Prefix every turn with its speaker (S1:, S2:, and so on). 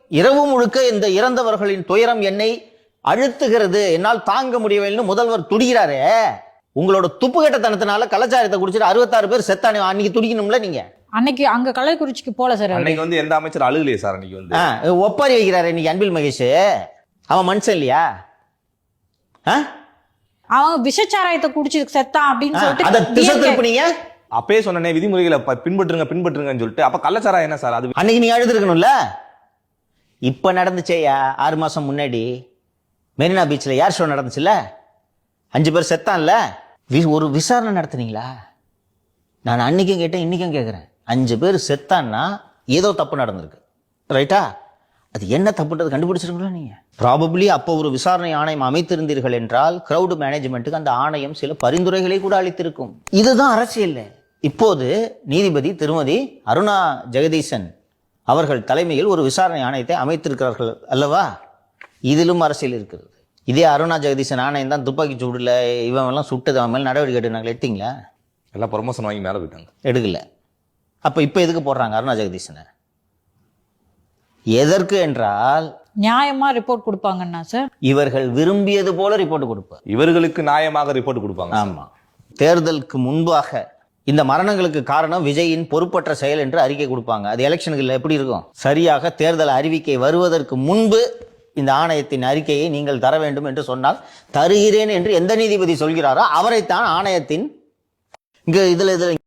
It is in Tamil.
S1: இரவு முழுக்க இந்த இறந்தவர்களின் துயரம் என்னை அழுத்துகிறது, என்னால் தாங்க முடியவில்லைன்னு முதல்வர் துடிக்கிறாரே. உங்களோட துப்புக்கட்டத்தனத்தினால கலாச்சாரத்தை குடிச்சிட்டு 66 பேர் செத்தானே, அன்னைக்கு துடிக்கணும்ல நீங்க.
S2: அன்னைக்கு அங்க கள்ளக்குறிச்சிக்கு போல சார்.
S3: அன்னைக்கு வந்து எந்த அமைச்சர் அழுகலையே சார். அன்னைக்கு
S1: ஒப்பாரி வைக்கிறாரு இன்னைக்கு அன்பில் மகேஷ். அவன் மனுஷன் இல்லையா?
S2: அவன் விஷச்சாராயத்தை குடிச்சு செத்தான் அப்படின்னு
S1: அதை திசை
S2: சொல்லிட்டு
S1: திருப்பினீங்க.
S3: அப்பயே சொன்னனே விதிமுறைகளை பின்பற்றுங்கன்னு சொல்லிட்டு. அப்ப கள்ளச்சாராயம் என்ன சார்? அது
S1: அன்னைக்கு நீங்க எழுதிருக்கணும்ல. இப்ப நடந்துச்சேயா 6 மாசம் முன்னாடி மெரினா பீச்ல ஏர் ஷோ நடந்துச்சுல்ல, 5 பேர் செத்தான்ல, ஒரு விசாரணை நடத்துனீங்களா? நான் அன்னைக்கும் கேட்டேன், இன்னைக்கும் கேட்கிறேன். 5 பேர் செத்தான்னா ஏதோ தப்பு நடந்திருக்கு, ரைட்டா? அது என்ன தப்புன்றது கண்டுபிடிச்சிருக்கீங்களா நீங்க? ப்ராபப்ளி அப்போ ஒரு விசாரணை ஆணையம் அமைத்திருந்தீர்கள் என்றால் கிரௌட் மேனேஜ்மெண்ட்டுக்கு அந்த ஆணையம் சில பரிந்துரைகளை கூட அளித்திருக்கும். இதுதான் அரசியல். இப்போது நீதிபதி திருமதி அருணா ஜெகதீசன் அவர்கள் தலைமையில் ஒரு விசாரணை ஆணையத்தை அமைத்திருக்கிறார்கள் அல்லவா? இதிலும் அரசியல் இருக்கிறது. இதே அருணா ஜெகதீசன் ஆணையம் தான் துப்பாக்கி சூடுல இவன் எல்லாம் சுட்டது, அவன் மேல நடவடிக்கை எடுத்தாங்க, எடுத்தீங்களா?
S3: எல்லாம் ப்ரொமோஷன் வாங்கி மேல போயிட்டாங்க,
S1: எடுக்கல. அப்ப இப்ப எதுக்கு போடுறாங்க அருணா ஜெகதீசனை? எதற்கு என்றால்
S2: நியாயமா ரிப்போர்ட் கொடுப்பாங்கன்னா சார்,
S1: இவர்கள் விரும்பியது போல ரிப்போர்ட் கொடுப்பார்.
S3: இவர்களுக்கு நியாயமாக ரிப்போர்ட் கொடுப்பாங்க.
S1: ஆமா. தேர்தலுக்கு முன்பாக இந்த மரணங்களுக்கு காரணம் விஜயின் பொறுப்பற்ற செயல் என்று அறிக்கை கொடுப்பாங்க. அது எலெக்ஷனுக்கு எப்படி இருக்கும்? சரியாக தேர்தல் அறிவிக்கை வருவதற்கு முன்பு இந்த ஆணையத்தின் அறிக்கையை நீங்கள் தர வேண்டும் என்று சொன்னால் தருகிறேன் என்று எந்த நீதிபதி சொல்கிறாரோ அவரைத்தான் ஆணையத்தின் இங்க இதுல